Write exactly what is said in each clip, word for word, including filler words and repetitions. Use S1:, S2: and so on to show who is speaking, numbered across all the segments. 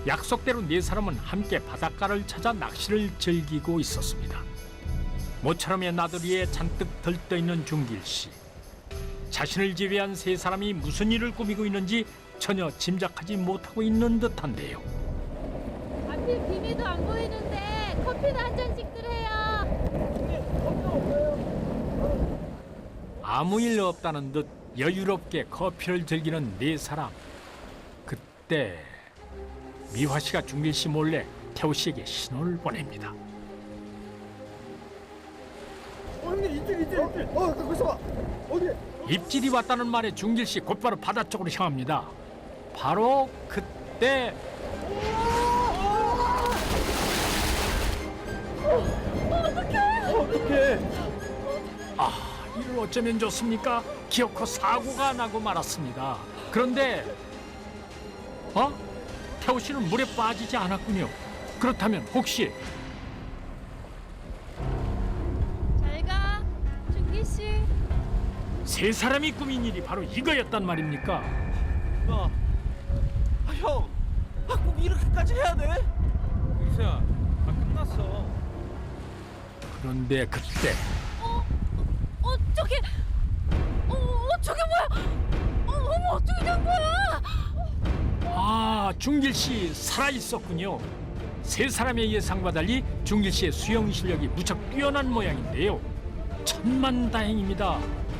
S1: 약속대로 네 사람은 함께 바닷가를 찾아 낚시를 즐기고 있었습니다. 모처럼의 나들이에 잔뜩 들떠있는 준길 씨. 자신을 제외한 세 사람이 무슨 일을 꾸미고 있는지 전혀 짐작하지 못하고 있는 듯한데요.
S2: 앞이 비밀도 안 보이는데 커피나 한 잔씩들 해요.
S1: 아무 일 없다는 듯 여유롭게 커피를 즐기는 네 사람. 그때 미화 씨가 준길 씨 몰래 태호 씨에게 신호를 보냅니다.
S3: 어, 형님 이쪽 이쪽 이쪽. 어, 거기서 봐. 어디?
S1: 입질이 왔다는 말에 준길 씨 곧바로 바다 쪽으로 향합니다. 바로 그때
S3: 어떡해?
S1: 아, 이를 어쩌면 좋습니까? 기어코 사고가 나고 말았습니다. 그런데 어? 태호 씨는 물에 빠지지 않았군요. 그렇다면 혹시
S2: 잘 가, 준기 씨.
S1: 세 사람이 꾸민 일이 바로 이거였단 말입니까?
S3: 야, 아, 형, 아, 꼭 이렇게까지 해야 돼? 유수야, 아 끝났어.
S1: 그런데 그때
S2: 어, 어, 어, 저기, 어, 어, 저게 뭐야? 어, 어머, 어떻게 된 거야?
S1: 아, 준길 씨 살아 있었군요. 세 사람의 예상과 달리 준길 씨의 수영 실력이 무척 뛰어난 모양인데요. 천만다행입니다.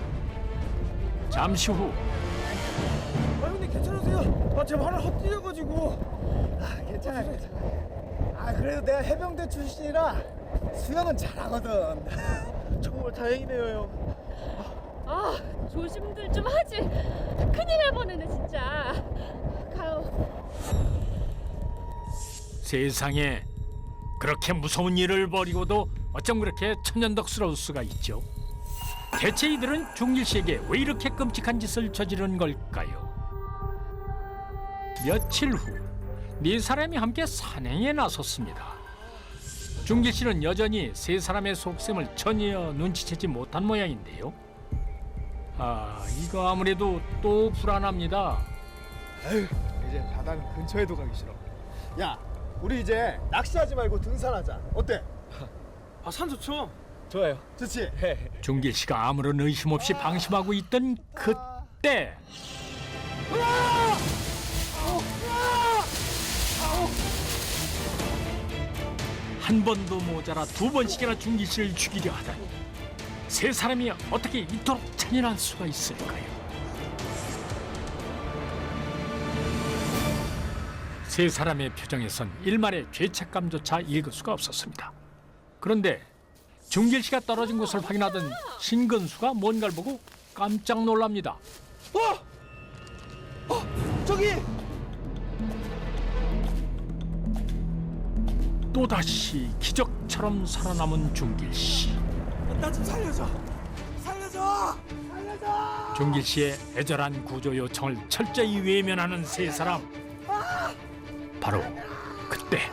S1: 잠시 후
S3: 아, 형님 괜찮으세요? 아, 제 발을 헛디뎌가지고.
S4: 아, 괜찮아, 괜찮아. 아, 그래도 내가 해병대 출신이라 수영은 잘하거든.
S3: 정말 다행이네요, 형.
S2: 아, 조심들 좀 하지. 큰일 날 뻔했네, 진짜. 가요.
S1: 세상에 그렇게 무서운 일을 벌이고도 어쩜 그렇게 천연덕스러울 수가 있죠. 대체 이들은 준길 씨에게 왜 이렇게 끔찍한 짓을 저지른 걸까요? 며칠 후 네 사람이 함께 산행에 나섰습니다. 준길 씨는 여전히 세 사람의 속셈을 전혀 눈치채지 못한 모양인데요. 아, 이거 아무래도 또 불안합니다.
S4: 에휴, 이제 바다는 근처에도 가기 싫어. 야, 우리 이제 낚시하지 말고 등산하자. 어때?
S3: 아, 산 좋죠?
S4: 좋아요. 좋지?
S1: 준길 씨가 아무런 의심 없이 방심하고 있던 그때 한 번도 모자라 두 번씩이나 준길 씨를 죽이려 하다니 세 사람이 어떻게 이토록 잔인할 수가 있을까요? 세 사람의 표정에선 일말의 죄책감조차 읽을 수가 없었습니다. 그런데 준길 씨가 떨어진 곳을 확인하던 신근수가 뭔가를 보고 깜짝 놀랍니다.
S3: 어! 어! 저기!
S1: 또다시 기적처럼 살아남은 준길 씨.
S3: 나 좀 살려줘! 살려줘! 살려줘!
S1: 준길 씨의 애절한 구조 요청을 철저히 외면하는 세 사람. 바로 그때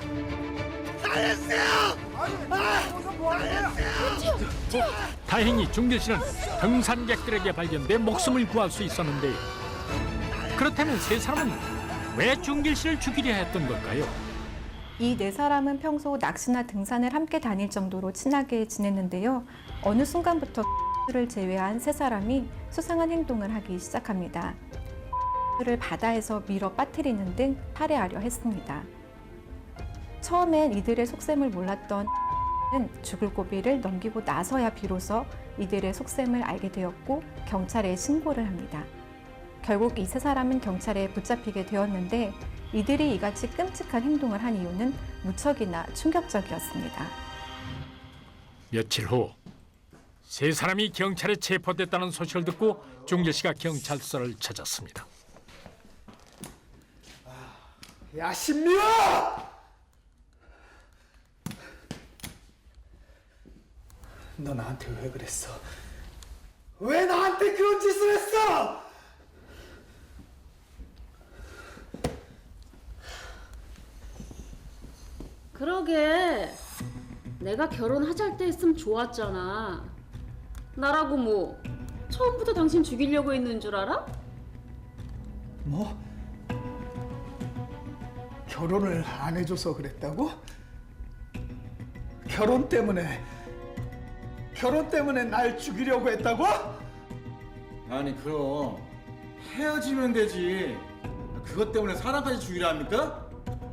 S1: 다행히 준길 씨는 등산객들에게 발견돼 목숨을 구할 수 있었는데 그렇다면 세 사람은 왜 준길 씨를 죽이려 했던 걸까요?
S5: 이 네 사람은 평소 낚시나 등산을 함께 다닐 정도로 친하게 지냈는데요. 어느 순간부터 를 제외한 세 사람이 수상한 행동을 하기 시작합니다. 를 바다에서 밀어 빠뜨리는 등 살해하려 했습니다. 처음엔 이들의 속셈을 몰랐던 는 죽을 고비를 넘기고 나서야 비로소 이들의 속셈을 알게 되었고 경찰에 신고를 합니다. 결국 이 세 사람은 경찰에 붙잡히게 되었는데 이들이 이같이 끔찍한 행동을 한 이유는 무척이나 충격적이었습니다.
S1: 며칠 후 세 사람이 경찰에 체포됐다는 소식을 듣고 준길 씨가 경찰서를 찾았습니다.
S4: 야, 신미야! 너 나한테 왜 그랬어? 왜 나한테 그런 짓을 했어?
S2: 그러게. 내가 결혼하자 때 했으면 좋았잖아. 나라고 뭐 처음부터 당신 죽이려고 했는 줄 알아?
S4: 뭐? 결혼을 안 해줘서 그랬다고? 결혼 때문에 결혼 때문에 날 죽이려고 했다고?
S6: 아니 그럼 헤어지면 되지. 그것 때문에 사람까지 죽이려 합니까?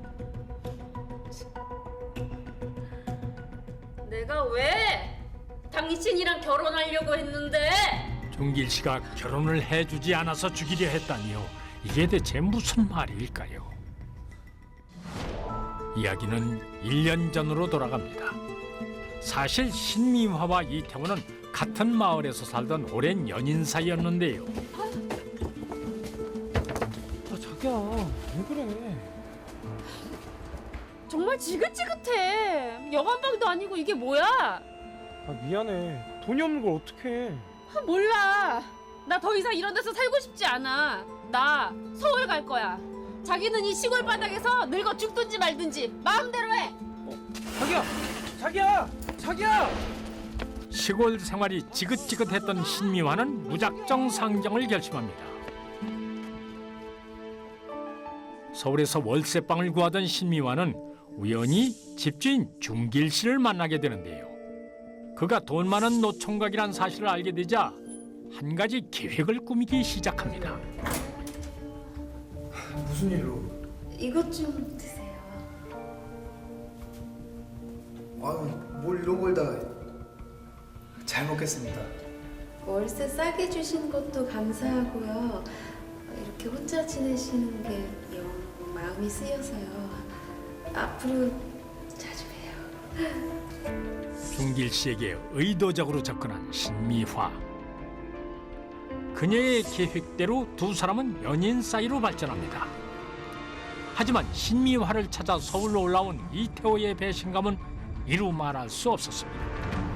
S2: 내가 왜 당신이랑 결혼하려고 했는데?
S1: 중길 씨가 결혼을 해주지 않아서 죽이려 했다니요. 이게 대체 무슨 말일까요? 이야기는 일 년 전으로 돌아갑니다. 사실 신미화와 이태원은 같은 마을에서 살던 오랜 연인 사이였는데요.
S3: 아 자기야 왜 그래?
S2: 정말 지긋지긋해. 여관방도 아니고 이게 뭐야?
S3: 아 미안해. 돈이 없는 걸 어떡해?
S2: 아, 몰라. 나 더 이상 이런 데서 살고 싶지 않아. 나 서울 갈 거야. 자기는 이 시골 바닥에서 늙어 죽든지 말든지 마음대로 해.
S3: 자기야! 자기야! 자기야!
S1: 시골 생활이 지긋지긋했던 신미화는 무작정 상정을 결심합니다. 서울에서 월세방을 구하던 신미화는 우연히 집주인 중길 씨를 만나게 되는데요. 그가 돈 많은 노총각이란 사실을 알게 되자 한 가지 계획을 꾸미기 시작합니다.
S4: 무슨 일로?
S7: 이것 좀 드세요.
S4: 아유, 뭘 이런 걸 다 잘 먹겠습니다.
S7: 월세 싸게 주신 것도 감사하고요. 이렇게 혼자 지내시는 게 영 마음이 쓰여서요. 앞으로 자주 봬요.
S1: 중길 씨에게 의도적으로 접근한 신미화. 그녀의 계획대로 두 사람은 연인 사이로 발전합니다. 하지만 신미화를 찾아 서울로 올라온 이태호의 배신감은 이루 말할 수 없었습니다.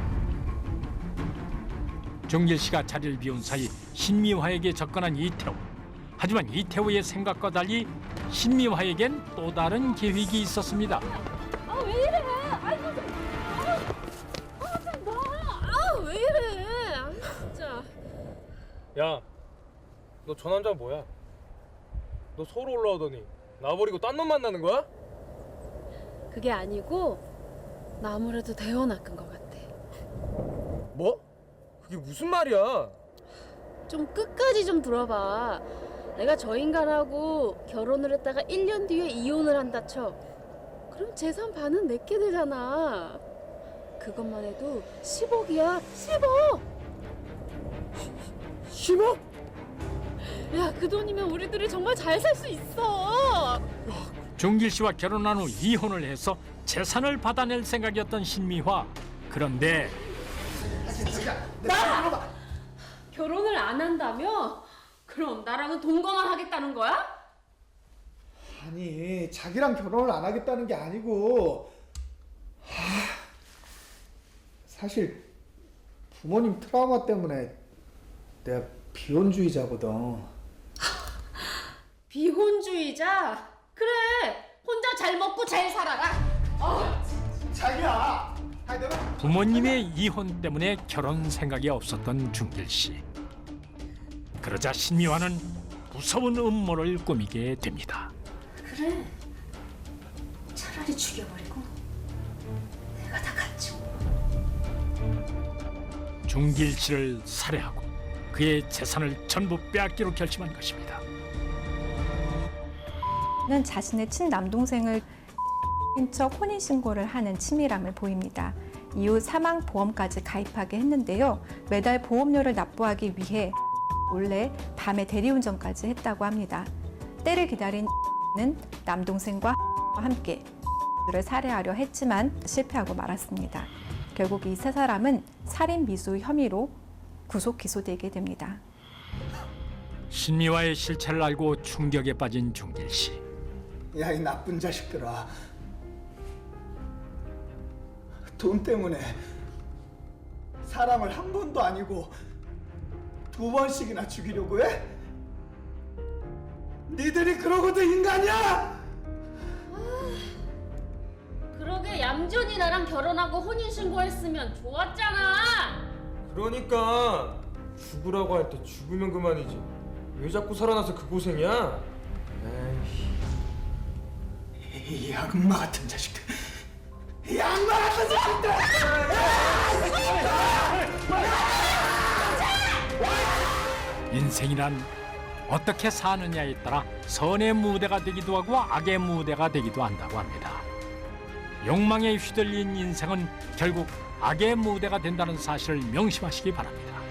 S1: 중길 씨가 자리를 비운 사이 신미화에게 접근한 이태호. 하지만 이태호의 생각과 달리 신미화에겐 또 다른 계획이 있었습니다.
S2: 아 왜 이래? 아이고 좀. 아, 아, 좀 놔. 아, 왜 이래? 아, 진짜.
S3: 야, 너 저 남자 뭐야? 너 서울 올라오더니 나 버리고 딴 놈 만나는 거야?
S2: 그게 아니고 나 아무래도 대원 낚은 것 같아.
S3: 뭐? 그게 무슨 말이야?
S2: 좀 끝까지 좀 들어봐. 내가 저 인간하고 결혼을 했다가 일 년 뒤에 이혼을 한다 쳐. 그럼 재산 반은 내게 되잖아. 그것만 해도 십억이야. 십억!
S3: 십억?
S2: 야, 그 돈이면 우리들이 정말 잘 살 수 있어.
S1: 중길 씨와 결혼한 후 이혼을 해서 재산을 받아낼 생각이었던 신미화. 그런데
S2: 나! 결혼을 안 한다며? 그럼 나랑은 동거만 하겠다는 거야?
S4: 아니, 자기랑 결혼을 안 하겠다는 게 아니고 하, 사실 부모님 트라우마 때문에 내가 비혼주의자거든.
S2: 비혼주의자? 그래, 혼자 잘 먹고 잘 살아라. 어.
S4: 자기야! 아니 내가
S1: 부모님의 이혼 때문에 결혼 생각이 없었던 중길 씨. 그러자 신미화는 무서운 음모를 꾸미게 됩니다.
S7: 그래. 차라리 죽여버리고 내가 다 갖추고.
S1: 중길 씨를 살해하고 그의 재산을 전부 빼앗기로 결심한 것입니다.
S5: 는 자신의 친남동생을 척 혼인신고를 하는 치밀함을 보입니다. 이후 사망보험까지 가입하게 했는데요. 매달 보험료를 납부하기 위해 몰래 밤에 대리운전까지 했다고 합니다. 때를 기다린 는 남동생과 함께 를 살해하려 했지만 실패하고 말았습니다. 결국 이 세 사람은 살인 미수 혐의로 구속 기소되게 됩니다.
S1: 신미화의 실체를 알고 충격에 빠진 중길 씨.
S4: 야, 이 나쁜 자식들아. 돈 때문에 사람을 한 번도 아니고 두 번씩이나 죽이려고 해? 니들이 그러고도 인간이야?
S2: 그러게 얌전히 나랑 결혼하고 혼인신고했으면 좋았잖아.
S3: 그러니까 죽으라고 할 때 죽으면 그만이지. 왜 자꾸 살아나서 그 고생이야? 에이.
S6: 이 악마 같은 자식들. 이 악마 같은 자식들.
S1: 인생이란 어떻게 사느냐에 따라 선의 무대가 되기도 하고 악의 무대가 되기도 한다고 합니다. 욕망에 휘둘린 인생은 결국 악의 무대가 된다는 사실을 명심하시기 바랍니다.